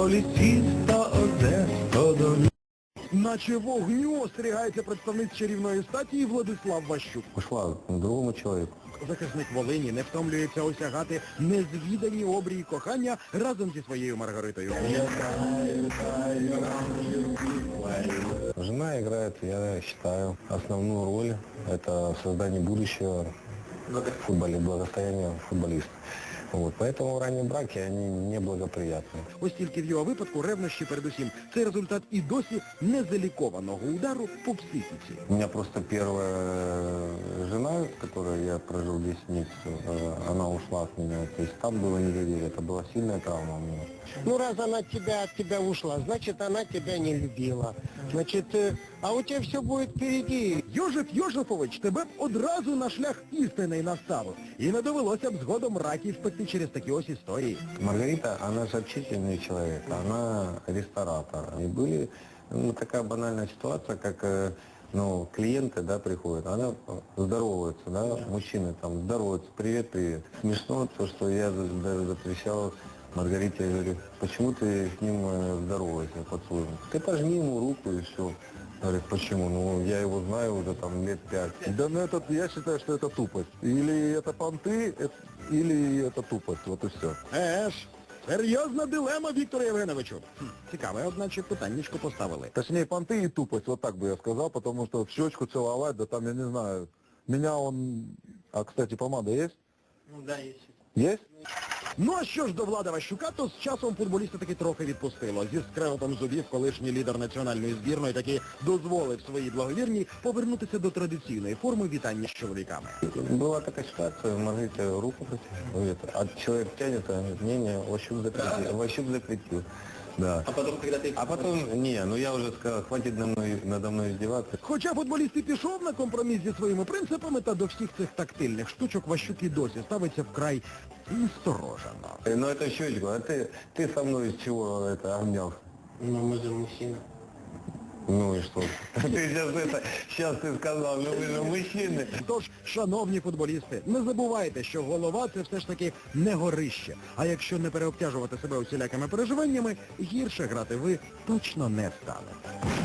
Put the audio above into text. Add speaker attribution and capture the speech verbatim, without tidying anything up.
Speaker 1: полетит до Одеса, до... Наче вогню остерігається представниць чарівної статі Владислав Ващук.
Speaker 2: Ушла к другому человеку.
Speaker 1: Захисник Волині не втомлюється осягати незвідані обрії кохання разом зі своєю Маргаритою.
Speaker 2: Жена играет, я считаю, основную роль. Это в создании будущего в футболе, благосостояния футболиста. Вот. Поэтому ранние браки, они неблагоприятны.
Speaker 1: Ось тільки в його випадку ревнощі передусім. Це результат і досі незалікованого удару по психіці.
Speaker 2: У меня просто первая жена, с которой я прожил десять месяцев, она ушла от меня. То есть там было недоверие, это была сильная травма у меня.
Speaker 3: Ну, раз она тебя, от тебя ушла, значит, она тебя не любила. Значит, а у тебя все будет впереди.
Speaker 1: Йожеф Йожефович тебе б одразу на шлях істини наставив. І не довелося б згодом раків пекти через такі ось історії.
Speaker 2: Маргарита, она же общительный человек, она ресторатор. И были, ну, такая банальная ситуация, как, ну, клиенты, да, приходят, она здоровается, да, мужчины там здороваются, привет, привет. Смешно то, что я даже запрещал Маргарите, я говорю, почему ты с ним здороваешься, поцелуем? Ты пожми ему руку и все. Говорит, почему? Ну, я его знаю уже там лет пять.
Speaker 4: Да, ну это, я считаю, что это тупость. Или это понты, это, или это тупость, вот и все.
Speaker 1: Е ж, серйозна дилема, Вікторе Євгеновичу. Хм, цікаве, одначе питаннячко поставили.
Speaker 4: Точнее, понты и тупость, вот так бы я сказал, потому что в щечку целовать, да там, я не знаю, меня он... А, кстати, помада есть?
Speaker 3: Ну да, есть.
Speaker 4: Есть?
Speaker 1: Ну а що ж до Влада Ващука, то з часом футболіста таки трохи відпустило. Зі скреготом зубів колишній лідер національної збірної таки дозволив своїй благовірній повернутися до традиційної форми вітання з чоловіками.
Speaker 2: Была такая ситуация, Маргарите руку протянули, а человек тянет, а говорит, не-не, Ващук запретил, Ващук запретил. Да.
Speaker 3: А потом, когда ты...
Speaker 2: А потом, не, ну я уже сказал, хватит надо мной, надо мной издеваться.
Speaker 1: Хоча футболіст і пішов на компроміс зі своїми принципами, та до всіх цих тактильних штучок Ващук і досі ставиться вкрай насторожено.
Speaker 2: Ну это щечку, а ты, ты со мной из чего это обнял?
Speaker 3: Ну, мы же мужчина.
Speaker 2: Ну и что? Ты сейчас это, сейчас ты сказал, ну вы же мужчины.
Speaker 1: Тож, шановні футболісти, не забувайте, що голова – це все ж таки не горище. А якщо не переобтяжувати себе усілякими переживаннями, гірше грати ви точно не станете.